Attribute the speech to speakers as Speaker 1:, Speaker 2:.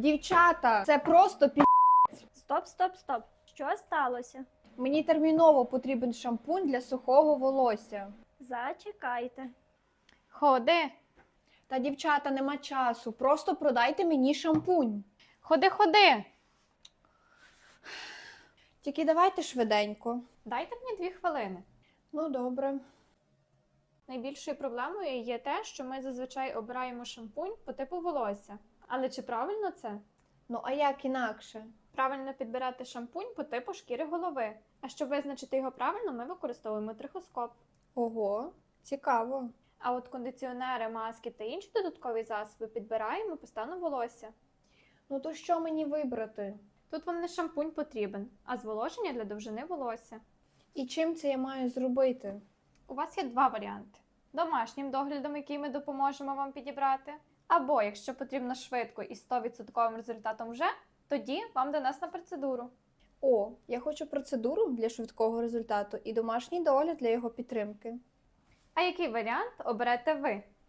Speaker 1: Дівчата, це просто
Speaker 2: Стоп, стоп, стоп. Що сталося?
Speaker 1: Мені терміново потрібен шампунь для сухого волосся.
Speaker 2: Зачекайте.
Speaker 3: Ходи,
Speaker 1: Та, дівчата, нема часу. Просто продайте мені шампунь.
Speaker 3: ходи.
Speaker 1: Тільки давайте швиденько.
Speaker 3: Дайте мені 2 хвилини.
Speaker 1: Ну, добре.
Speaker 3: Найбільшою проблемою є те, що ми зазвичай обираємо шампунь по типу волосся. Але чи правильно це?
Speaker 1: Ну, а як інакше?
Speaker 3: Правильно підбирати шампунь по типу шкіри голови. А щоб визначити його правильно, ми використовуємо трихоскоп.
Speaker 1: Ого, цікаво.
Speaker 3: А от кондиціонери, маски та інші додаткові засоби підбираємо по стану волосся.
Speaker 1: Ну, то що мені вибрати?
Speaker 3: Тут вам не шампунь потрібен, а зволоження для довжини волосся.
Speaker 1: І чим це я маю зробити?
Speaker 3: У вас є 2 варіанти. Домашнім доглядом, який ми допоможемо вам підібрати. Або, якщо потрібно швидко і 100% результатом вже, тоді вам до нас на процедуру.
Speaker 1: О, я хочу процедуру для швидкого результату і домашній догляд для його підтримки.
Speaker 3: А який варіант оберете ви?